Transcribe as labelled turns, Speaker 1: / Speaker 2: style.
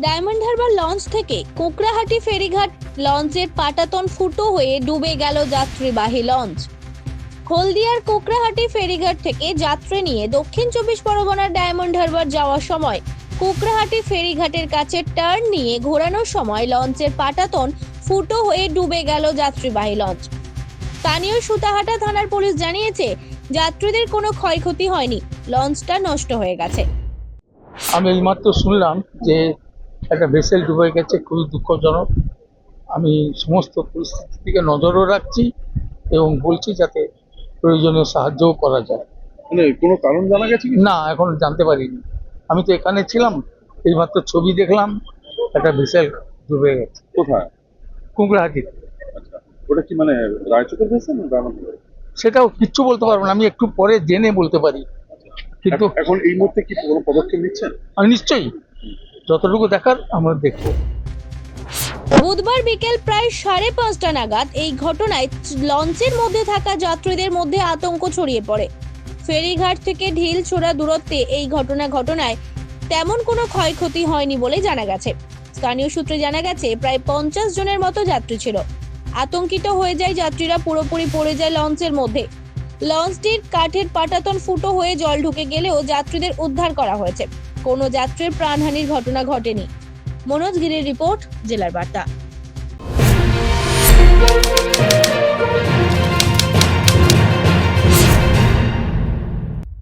Speaker 1: Diamond Harbour launch থেকে কোকড়াহাটি ফেরিঘাট লঞ্চের পাটাতন ফুটো হয়ে ডুবে গেল যাত্রীবাহী লঞ্চ। হলদিয়ার কোকড়াহাটি ফেরিঘাট থেকে যাত্রী নিয়ে দক্ষিণ 24 পরগনার ডায়মন্ড হারবার যাওয়ার সময় কোকড়াহাটি ফেরিঘাটের কাছে টার্ন নিয়ে ঘোরানোর সময় লঞ্চের পাটাতন ফুটো হয়ে ডুবে গেল যাত্রীবাহী লঞ্চ। স্থানীয় সুতাহাটা থানার পুলিশ জানিয়েছে, যাত্রীদের কোনো ক্ষয়ক্ষতি হয়নি, লঞ্চটা নষ্ট হয়ে গেছে।
Speaker 2: আমি এইমাত্র শুনলাম যে একটা ভেসেল ডুবে গেছে, খুবই দুঃখজনক। আমি সমস্ত পরিস্থিতিকে নজরও রাখছি এবং বলছি যাতে প্রয়োজনীয় সাহায্যও করা যায়।
Speaker 3: মানে কোনো কারণ জানা গেছে কি?
Speaker 2: না, এখন জানতে পারিনি। আমি তো এখানে ছিলাম, এইমাত্র ছবি দেখলাম একটা ভেসেল ডুবে গেছে।
Speaker 3: কোথায়?
Speaker 2: কোকড়াহাটিতে।
Speaker 3: আচ্ছা, ওটা কি মানে রায়চকের ভেসে না দানাপুর?
Speaker 2: সেটাও কিচ্ছু বলতে পারবো না, আমি একটু পরে জেনে বলতে পারি। কিন্তু
Speaker 3: এখন এই মুহূর্তে কি কোনো পদক্ষেপ নিচ্ছেন?
Speaker 2: আমি নিশ্চয়ই যতটুকু দেখার আমরা দেখবো।
Speaker 1: বুধবার বিকেল প্রায় 5:30 নাগাদ এই ঘটনায় লঞ্চের মধ্যে থাকা যাত্রীদের মধ্যে আতঙ্ক ছড়িয়ে পড়ে। ফেরিঘাট থেকে ঢিল ছোড়া দূরত্বে এই ঘটনায় তেমন কোনো ক্ষয়ক্ষতি হয়নি বলে জানা গেছে। স্থানীয় সূত্রে জানা গেছে, প্রায় 50 জনের মতো যাত্রী ছিল। আতঙ্কিত হয়ে যায় যাত্রীরা, পুরোপুরি পড়ে যায় লঞ্চের মধ্যে। লঞ্চটির কাঠের পাটাতন ফুটো হয়ে জল ঢুকে গেলেও যাত্রীদের উদ্ধার করা হয়েছে। কোনো যাত্রীর প্রাণহানির ঘটনা ঘটেনি। মনোজ গিরির রিপোর্ট, জেলার বার্তা।